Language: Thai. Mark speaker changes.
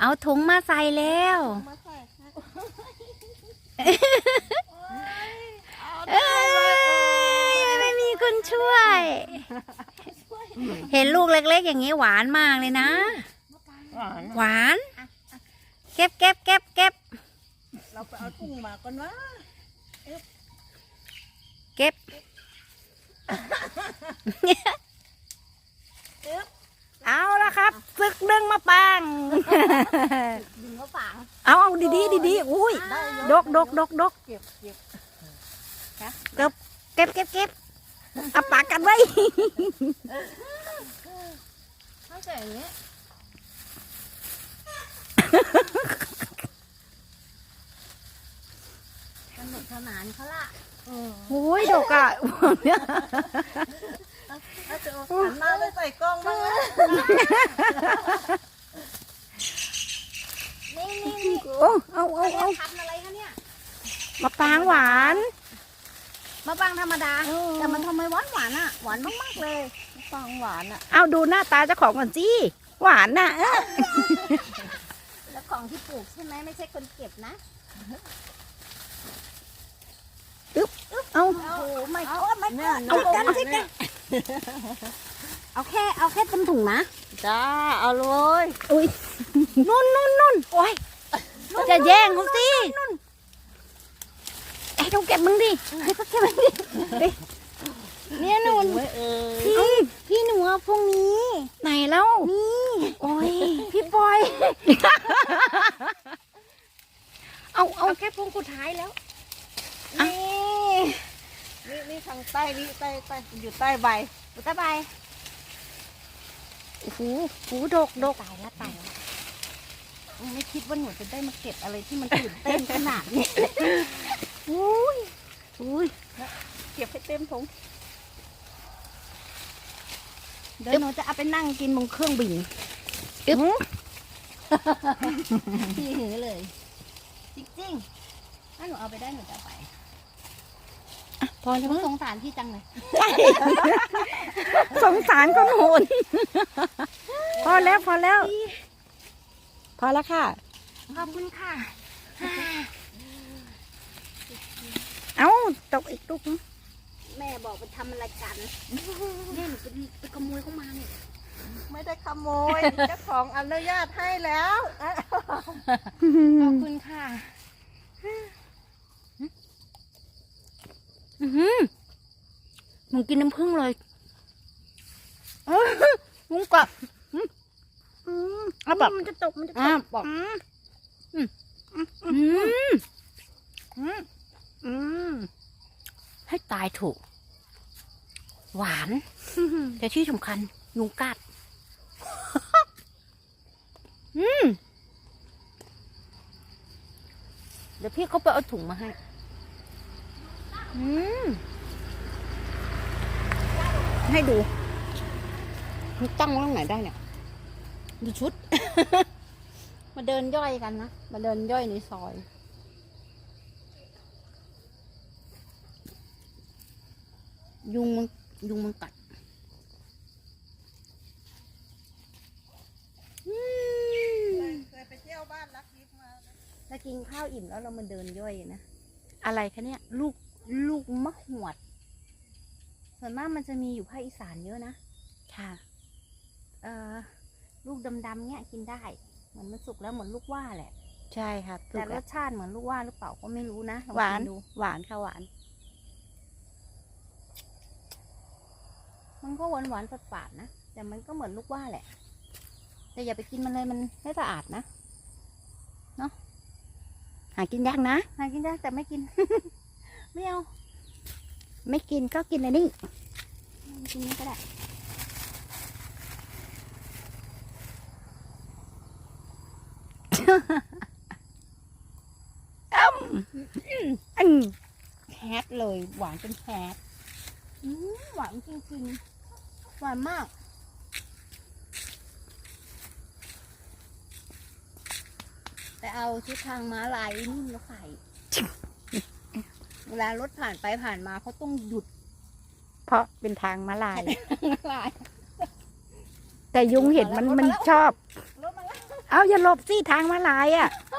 Speaker 1: เอาถุงมาใส่แล้วไม่มีคนช่วย เห็นลูกเล็กๆอย่างนี้หวานมากเลยนะหวานเก็บ
Speaker 2: เราไปเอาถุงมาก่อนวะ
Speaker 1: เก็บเอาละครับซึกดึงมาปัง
Speaker 2: ดึงมาฝัง
Speaker 1: เอาดีอุ้ยดก
Speaker 2: เก็บ
Speaker 1: เอาปากกันไว้
Speaker 2: ถ้าเกิดอย่างนี้สนุกสนานเขาล่ะ
Speaker 1: โอ้ยดกอ่ะเนี่ย
Speaker 2: หันหน้าไปใส่กล้องบ้างนะนี่
Speaker 1: เอา
Speaker 2: ทำอะไรคะเนี่ย
Speaker 1: มะปรางหวาน
Speaker 2: มะปรางธรรมดาแต่มันทำไมหวานอ่ะหวานมากๆเลยมะปรางหวานอ่ะ
Speaker 1: เอาดูหน้าตาเจ้าของก่อนสิหวานน่ะ
Speaker 2: แล้วของที่ปลูกใช่ไหมไม่ใช่คนเก็บนะ
Speaker 1: เอา
Speaker 2: โอ้ไม่ก็เอากันสิกันเอาแค่เต็มถุงนะ
Speaker 1: จ้าเอาเลยอุ้ยนุ่นโอ้ยจะแย่งเขาสิไอ้ต้องเก็บมึงดิให้เขาเก็บมึงดิ
Speaker 2: เนี่ยนุ่นพี่หนูเอาพวกนี้
Speaker 1: ไหนแล้ว
Speaker 2: นี่
Speaker 1: โอ้ย
Speaker 2: พี่ปอย
Speaker 1: เอา
Speaker 2: แค่พวงสุดท้ายแล้วนี่ทางใต้นี่ใต้อยู่ใต้ใบอยู่ใต้ใบ
Speaker 1: โอ้โหดก
Speaker 2: ตายแล้วไม่คิดว่าหนูจะได้มาเก็บอะไรที่มันตื่นเต้นขนาดนี้
Speaker 1: อุ้ย
Speaker 2: เก็บให้เต็มถุงเดี๋ยวหนูจะเอาไปนั่งกินบนเครื่องบินที่หือเลยจริงๆถ้าหนูเอาไปได้หนูจะไป
Speaker 1: พอแล้ว
Speaker 2: สงสารพี่จังเลย
Speaker 1: สงสารคนโหนพอแล้วค่ะ
Speaker 2: ขอบคุณค่ะ
Speaker 1: เอาตกอีกลูก
Speaker 2: แม่บอกไปทำอะไรกันแม่หนูไปขโมยเข้ามาเนี่ยไม่ได้ขโมยเจ้าของอนุญาตให้แล้วขอบคุณค่ะ
Speaker 1: มึงกินน้ำผึ้งเลยมึงกะแบบ
Speaker 2: มันจะตก
Speaker 1: บอกให้ตายถูกหวานแต่ที่สำคัญยุงกัดเดี๋ยวพี่เขาไปเอาถุงมาให้ให้ดูมันตั้งไว้ตรงไหนได้เนี่ยดูชุด
Speaker 2: มาเดินย่อยกันนะมาเดินย่อยในซอย
Speaker 1: ยุงมันกัด
Speaker 2: เคยไปเที่ยวบ้านรักยิบมาถ้ากินข้าวอิ่มแล้วเรามาเดินย่อยนะ
Speaker 1: อะไรคะเนี่ย
Speaker 2: ลูกมะหวดส่วนมากมันจะมีอยู่ภาคอีสานเยอะนะ
Speaker 1: ค่ะ
Speaker 2: ลูกดำๆเนี้ยกินได้เหมือนมันสุกแล้วเหมือนลูกว่าแหละ
Speaker 1: ใช่ค่ะ
Speaker 2: แต่รสชาติเหมือนลูกว่าหรือเปล่าก็ไม่รู้นะ
Speaker 1: หวานค่ะหวาน
Speaker 2: มันก็หวานฝาดๆนะแต่มันก็เหมือนลูกว่าแหละแต่อย่าไปกินมันเลยมันไม่สะอาดนะเนาะ
Speaker 1: หากินยากนะ
Speaker 2: หากินได้แต่ไม่กิน ไม่เอา
Speaker 1: ไม่กินก็กินอะไรนี่
Speaker 2: กินนี้ก็ได้แฮดเลยหวานเป็นแฮดหวานจริงๆหวานมากแต่เอาที่ทางม้าลายนี่มาใส่เวลารถผ่านไปผ่านมาเขาต้องหยุด
Speaker 1: เพราะเป็นทางม้าลายแต่ยุงเห็นมันชอบเอาอย่าหลบสิทางมาลายอ่ะ